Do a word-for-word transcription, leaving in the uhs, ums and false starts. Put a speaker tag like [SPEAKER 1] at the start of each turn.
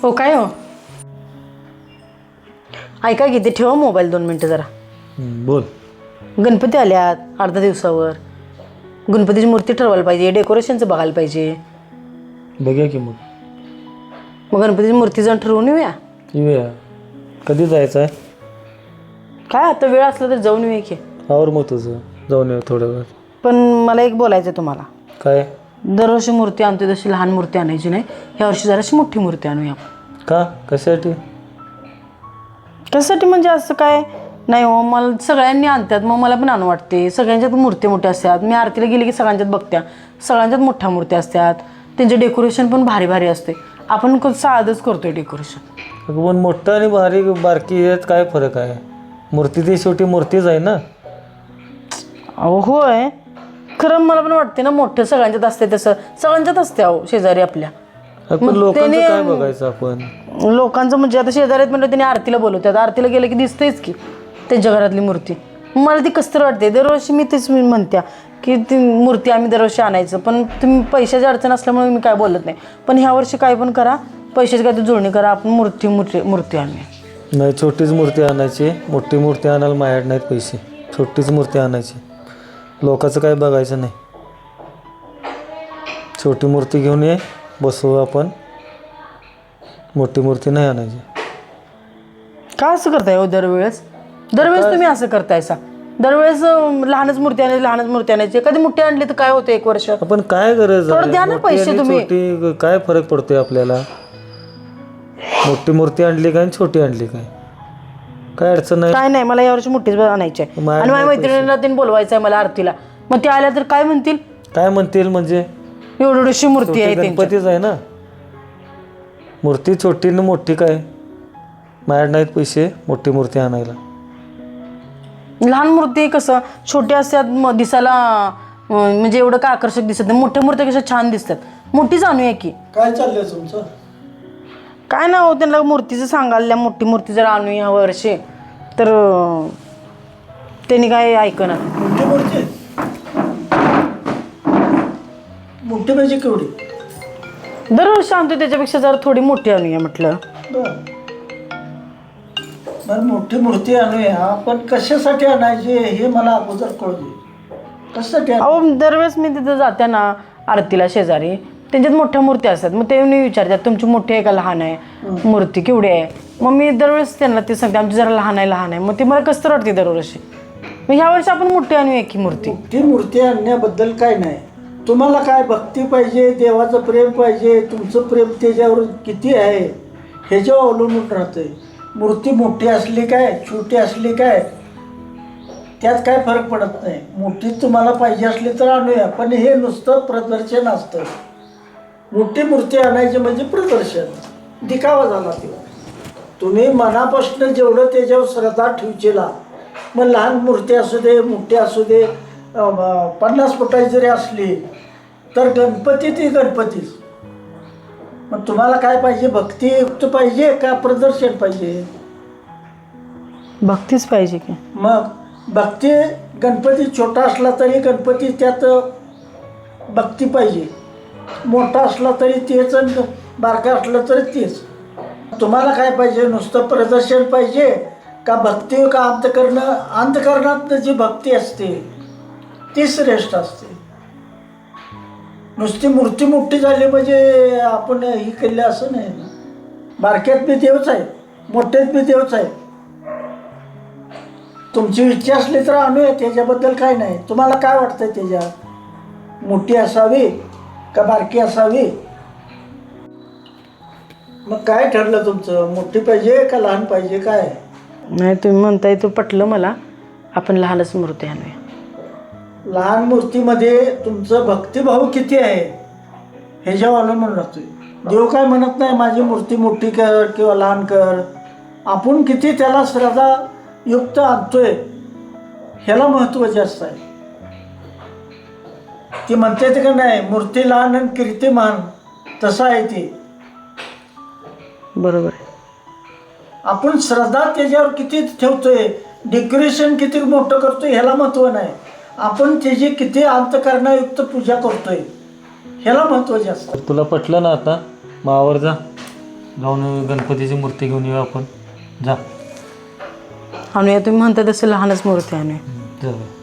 [SPEAKER 1] हो काय हो ऐका किती ठेवा मोबाईल दोन मिनटं जरा
[SPEAKER 2] बोल.
[SPEAKER 1] गणपती आल्यात अर्धा दिवसावर गणपतीची मूर्ती ठरवायला पाहिजे डेकोरेशनचं बघायला पाहिजे
[SPEAKER 2] बघूया की मग
[SPEAKER 1] मग गणपतीची मूर्ती जाऊन ठरवून येऊया
[SPEAKER 2] येऊया. कधी जायचं आहे?
[SPEAKER 1] काय आता वेळ असला तर जाऊन येऊया की
[SPEAKER 2] आवर मग तुझं जाऊन येऊ थोड्या वेळ.
[SPEAKER 1] पण मला एक बोलायचं आहे तुम्हाला
[SPEAKER 2] काय?
[SPEAKER 1] दरवर्षी मूर्ती आणतो तशी लहान मूर्ती आणायची नाही ह्या वर्षी जराशी मोठी मूर्ती आणूया
[SPEAKER 2] का? कशासाठी?
[SPEAKER 1] कशासाठी म्हणजे असं काय नाही हो मला सगळ्यांनी आणतात मग मला पण आणू वाटते सगळ्यांच्यात मूर्ती मोठ्या असतात मी आरतीला गेली की सगळ्यांच्यात बघत्या सगळ्यांच्यात मोठ्या मूर्त्या असतात त्यांचे डेकोरेशन पण भारी भारी असते आपण साधंच करतोय डेकोरेशन
[SPEAKER 2] अगं पण मोठं आणि भारी बारकी यात काय फरक आहे? मूर्ती ती शेवटी मूर्तीच आहे ना.
[SPEAKER 1] अहो होय खरं मला पण वाटते ना मोठं सगळ्यांच्यात असते तसं सगळ्यांच्यात असते अहो शेजारी आपल्या
[SPEAKER 2] पण लोकांचं काय बघायचं आपण?
[SPEAKER 1] लोकांचं म्हणजे आता शेजारीत म्हणलं त्यांनी आरतीला बोलवतात आरतीला गेलं की दिसतेच की त्यांच्या घरातली मूर्ती मला ती कसं तर वाटते दरवर्षी मी तेच मी म्हणत्या की ती मूर्ती आम्ही दरवर्षी आणायचं पण तुम्ही पैशाची अडचण असल्यामुळे मी काय बोलत नाही पण ह्या वर्षी काय पण करा पैशाची काय जुळणी करा आपण मूर्ती मूर्ती मूर्ती आणूया.
[SPEAKER 2] नाही छोटीच मूर्ती आणायची मोठी मूर्ती आणायला माझ्याकडे नाहीत पैसे. छोटीच मूर्ती आणायची लोकांचं काय बघायचं नाही. छोटी मूर्ती घेऊन ये बसवू आपण मोठी मूर्ती नाही आणायची.
[SPEAKER 1] का असं करताय हो दरवेळेस दरवेळेस तुम्ही असं करतायसा दरवेळेस लहानच मूर्ती आणायची लहानच मूर्ती आणायची कधी मोठी आणली तर काय होतं एक वर्ष
[SPEAKER 2] आपण काय गरज
[SPEAKER 1] थोडं द्या ना पैसे तुम्ही.
[SPEAKER 2] छोटी काय फरक पडतोय आपल्याला? मोठी मूर्ती आणली काय आणि छोटी आणली काय काय अडचण नाही.
[SPEAKER 1] काय नाही मला यावर्षी मोठीच आणायची आहे आणि माझ्या मैत्रिणीला त्यांनी बोलवायचं आहे मला आरतीला मग ते आल्या तर काय म्हणतील
[SPEAKER 2] काय म्हणतील म्हणजे
[SPEAKER 1] एवढी एवढीशी मूर्ती आहे त्यांची.
[SPEAKER 2] गणपतीच आहे ना मूर्ती छोटी न मोठी काय माझ्याकडे नाहीत पैसे मोठी मूर्ती आणायला.
[SPEAKER 1] लहान मूर्ती कसं छोटी असतात मग दिसायला अं, म्हणजे एवढं काय आकर्षक दिसत नाही मोठ्या मूर्त्या कशा छान दिसतात मोठीच आणूया की.
[SPEAKER 2] काय चाललंय तुमचं?
[SPEAKER 1] काय ना हो त्यांना मूर्तीचं सांगायला मोठी मूर्ती जर आणूया वर्षी तर अं, त्यांनी काय ऐकणार.
[SPEAKER 3] मोठी मूर्ती मोठी म्हणजे केवढी?
[SPEAKER 1] दरवर्षी आणतो त्याच्यापेक्षा जरा थोडी मोठी आणूया म्हटलं.
[SPEAKER 3] बरं बरं मोठी मूर्ती आणूया पण कशासाठी आणायची हे मला अगोदर कळू दे. कशासाठी आण-
[SPEAKER 1] अहो दरवेळेस मी तिथं जाते ना आरतीला शेजारी त्यांच्यात मोठ्या मूर्त्या असतात मग ते मी विचारतात तुमची मोठी आहे का लहान आहे मूर्ती केवढी आहे मग मी दरवेळेस त्यांना ते सांगते आमची जरा लहान आहे लहान आहे मग ते मला कसं तर वाटते दरवर्षी मग ह्या वर्षी आपण मोठी आणूया की मूर्ती.
[SPEAKER 3] मोठी मूर्ती आणण्याबद्दल काय नाही तुम्हाला काय भक्ती पाहिजे देवाचं प्रेम पाहिजे तुमचं प्रेम त्याच्यावर किती आहे ह्याच्यावर अवलंबून राहतंय. मूर्ती मोठी असली काय छोटी असली काय त्यात काय फरक पडत नाही. मोठी तुम्हाला पाहिजे असली तर आणूया पण हे नुसतं प्रदर्शन असतं. मोठी मूर्ती आणायची म्हणजे प्रदर्शन दिखावा झाला तेव्हा. तुम्ही मनापासून जेवढं त्याच्यावर श्रद्धा ठेवचीला मग लहान मूर्ती असू दे मोठी असू दे अं, पन्नास फुटाची जरी असली तर गणपती ती गणपतीच. मग तुम्हाला काय पाहिजे भक्तियुक्त पाहिजे का प्रदर्शन पाहिजे?
[SPEAKER 1] भक्तीच पाहिजे की.
[SPEAKER 3] मग भक्ती गणपती छोटा असला तरी गणपती त्यात भक्ती पाहिजे मोठा असला तरी तेच आणि बारका असला तरी तेच. तुम्हाला काय पाहिजे नुसतं प्रदर्शन पाहिजे का भक्ती का अंतकरण अंतकरणात जी भक्ती असते ती श्रेष्ठ असते. नुसती मूर्ती मोठी झाली म्हणजे आपण ही केली असं नाही ना. बारक्यात बी देवच आहे मोठ्यात बी देवच आहे. तुमची इच्छा असली तर आणूया त्याच्याबद्दल काय नाही. तुम्हाला काय वाटतं त्याच्यात मोठी असावी का बारकी असावी? मग काय ठरलं तुमचं मोठी पाहिजे का लहान पाहिजे काय?
[SPEAKER 1] नाही तुम्ही म्हणताय तो पटलं मला आपण लहानच मूर्ती आणूया.
[SPEAKER 3] लहान मूर्तीमध्ये तुमचं भक्तिभाव किती आहे ह्याच्यावर अवलंबून राहतोय. देव काय म्हणत नाही माझी मूर्ती मोठी कर किंवा लहान कर. आपण किती त्याला श्रद्धा युक्त आणतोय ह्याला महत्त्व जास्त आहे. ती म्हणते ते का नाही मूर्ती लहान आणि कीर्तिमान तसं आहे ते.
[SPEAKER 1] बरोबर आहे.
[SPEAKER 3] आपण श्रद्धा त्याच्यावर किती ठेवतोय डेकोरेशन किती मोठं करतोय ह्याला महत्त्व नाही. आपण त्याची किती अंतकरणायुक्त पूजा करतोय ह्याला महत्त्व जास्त.
[SPEAKER 2] तुला पटलं ना आता मावर जा जाऊन गणपतीची मूर्ती घेऊन येऊ आपण. जा
[SPEAKER 1] आणूया तुम्ही म्हणता तसं लहानच मूर्ती आणूया.
[SPEAKER 2] जाऊया.